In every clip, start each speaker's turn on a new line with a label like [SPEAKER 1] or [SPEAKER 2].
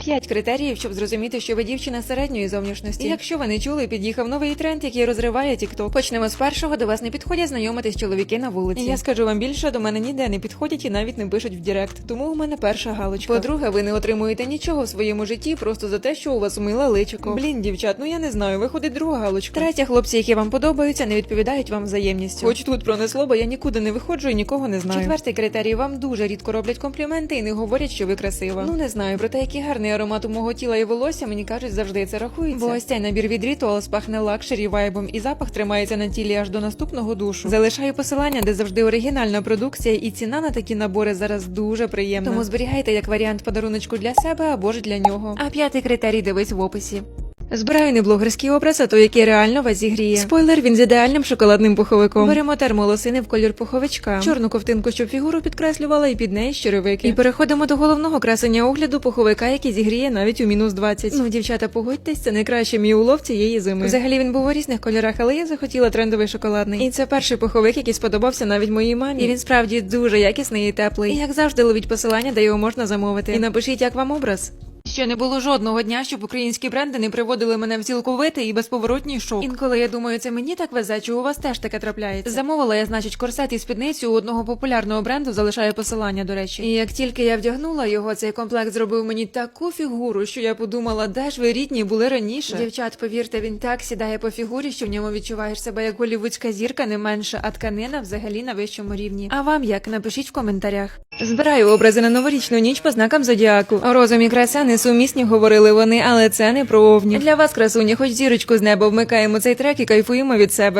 [SPEAKER 1] 5 критеріїв, щоб зрозуміти, що ви дівчина середньої зовнішності. Якщо ви не чули, під'їхав новий тренд, який розриває TikTok. Почнемо з першого. До вас не підходять знайомитись чоловіки на вулиці. Я скажу вам більше, до мене ніде не підходять і навіть не пишуть в Директ. Тому у мене перша галочка. По-друге, ви не отримуєте нічого в своєму житті просто за те, що у вас миле личико. Блін, дівчат, ну я не знаю, виходить друга галочка. Третя, хлопці, які вам подобаються, не відповідають вам взаємністю. Хоч тут пронесло, бо я нікуди не виходжу і нікого не знаю. Четвертий критерій: вам дуже рідко роблять компліменти і не говорять, що ви красива. Ну не знаю, проте який гарний аромат у мого тіла і волосся, мені кажуть, завжди це рахується. Бо ось цей набір від Rituals пахне лакшері вайбом, і запах тримається на тілі аж до наступного душу. Залишаю посилання, де завжди оригінальна продукція, і ціна на такі набори зараз дуже приємна. Тому зберігайте як варіант подаруночку для себе або ж для нього. А п'ятий критерій дивись в описі. Збираю не блогерський образ, а той, який реально вас зігріє. Спойлер, він з ідеальним шоколадним пуховиком. Беремо термолосини в колір пуховичка, чорну ковтинку, щоб фігуру підкреслювала, і під неї черевики. І переходимо до головного красення огляду пуховика, який зігріє навіть у мінус 20. Ну, дівчата, погодьтесь, це найкращий мій улов цієї зими. Взагалі він був у різних кольорах, але я захотіла трендовий шоколадний. І це перший пуховик, який сподобався навіть моїй мамі. І він справді дуже якісний і теплий. І як завжди, ловіть посилання, де його можна замовити. І напишіть, як вам образ. Ще не було жодного дня, щоб українські бренди не приводили мене в цілковитий і безповоротній шок. Інколи я думаю, це мені так везе, чи у вас теж таке трапляється. Замовила я, значить, корсет і спідницю у одного популярного бренду, залишаю посилання, до речі. І як тільки я вдягнула його, цей комплект зробив мені таку фігуру, що я подумала, де ж ви рідні були раніше. Дівчат, повірте, він так сідає по фігурі, що в ньому відчуваєш себе як голівудська зірка, не менше, а тканина взагалі на вищому рівні. А вам як? Напишіть в коментарях. Збираю образи на новорічну ніч по знакам зодіаку. Розум і краса несумісні, говорили вони, але це не про овні. Для вас, красуні, хоч зірочку з неба, вмикаємо цей трек і кайфуємо від себе.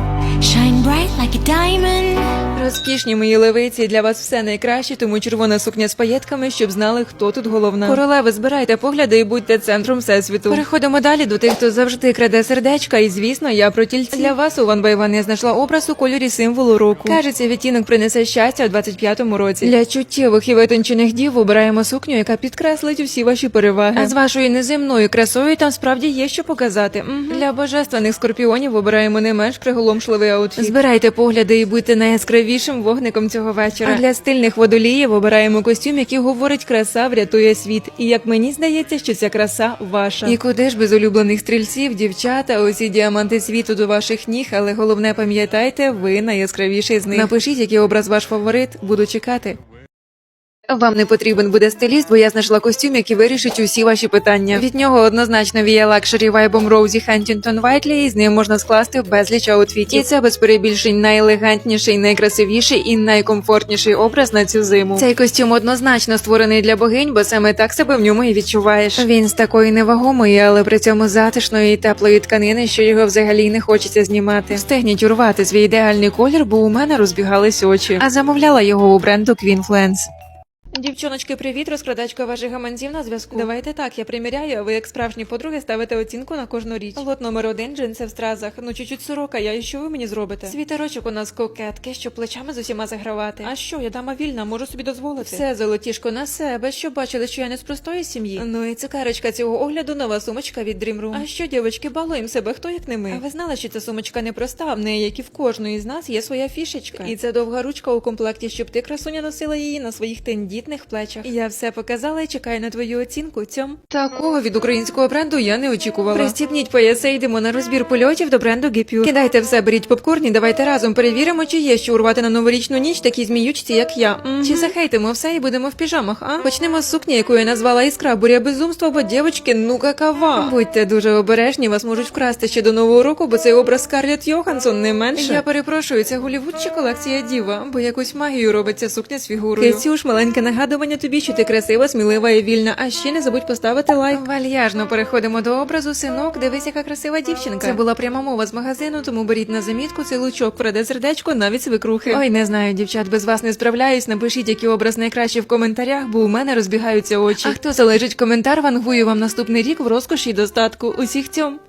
[SPEAKER 2] Shine bright like a diamond.
[SPEAKER 1] Розкішні мої левиці, для вас все найкраще, тому червона сукня з паєтками, щоб знали, хто тут головна. Королеви, збирайте погляди і будьте центром всесвіту. Переходимо далі до тих, хто завжди краде сердечка, і звісно, я про тільці. Для вас у One by One я знайшла образ у кольорі символу року. Кажеться, відтінок принесе щастя у 25-му році. Для чуттєвих і витончених дів обираємо сукню, яка підкреслить усі ваші переваги. А з вашою неземною красою там справді є що показати. Для божественних скорпіонів обираємо не менш приголомшливий аутфіт. Збирайте погляди і будьте найяскравішим вогником цього вечора. А для стильних водоліїв обираємо костюм, який говорить: краса врятує світ. І як мені здається, що ця краса ваша. І куди ж без улюблених стрільців, дівчата, усі діаманти світу до ваших ніг, але головне пам'ятайте, ви найяскравіший з них. Напишіть, який образ ваш фаворит, буду чекати. Вам не потрібен буде стиліст, бо я знайшла костюм, який вирішить усі ваші питання. Від нього однозначно віє лакшері вайбом Роузі Хантінгтон Вайтлі, і з ним можна скласти безліч аутфітів. І це без перебільшень найелегантніший, найкрасивіший і найкомфортніший образ на цю зиму. Цей костюм однозначно створений для богинь, бо саме так себе в ньому і відчуваєш. Він з такої невагомої, але при цьому затишної і теплої тканини, що його взагалі не хочеться знімати. Встигніть урвати свій ідеальний колір, бо у мене розбігались очі. А замовляла його у бренду Queen Flans. Дівчоночки, привіт, розкладачка ваших гаманців на зв'язку. Давайте так, я приміряю, а ви як справжні подруги ставите оцінку на кожну річ. Лот номер 1, джинси в стразах. Ну чуть-чуть сорока, і що ви мені зробите? Світерочок у нас кокетки, щоб плечами з усіма загравати. А що, я дама вільна, можу собі дозволити. Все, золотішко, на себе, щоб бачили, що я не з простої сім'ї. Ну і цукерочка цього огляду, нова сумочка від Dream Room. А що, дівочки, балуємо себе, хто як не ми. А ви знали, що ця сумочка не проста, в неї, як і в кожної з нас, є своя фішечка. І це довга ручка у комплекті, щоб ти, красуня, носила її на своїх тендітних плечах. Я все показала і чекаю на твою оцінку, цьом. Такого від українського бренду я не очікувала. Пристібніть пояси, йдемо на розбір польотів до бренду Gepure. Кидайте все, беріть попкорн і давайте разом перевіримо, чи є що урвати на новорічну ніч такі зміючці, як я. Чи захейтимо все і будемо в піжамах, а? Почнемо з сукні, яку я назвала іскра, буря безумства, бо дівочки, ну какава. Будьте дуже обережні, вас можуть вкрасти ще до Нового року, бо цей образ Скарлетт Йоханссон не менше. Я перепрошую, це Голлівуд чи колекція Діва, бо якусь магію робить ця сукня з фігурою. Кицюш, маленьке нагадування тобі, що ти красива, смілива і вільна. А ще не забудь поставити лайк. Вальяжно переходимо до образу. Синок, дивись, яка красива дівчинка. Це була пряма мова з магазину, тому беріть на замітку, цей лучок враде сердечко, навіть свекрухи. Ой, не знаю, дівчат, без вас не справляюсь. Напишіть, який образ найкращий в коментарях, бо у мене розбігаються очі. А хто залежить коментар, вангую вам наступний рік в розкоші і достатку. Усіх цьом.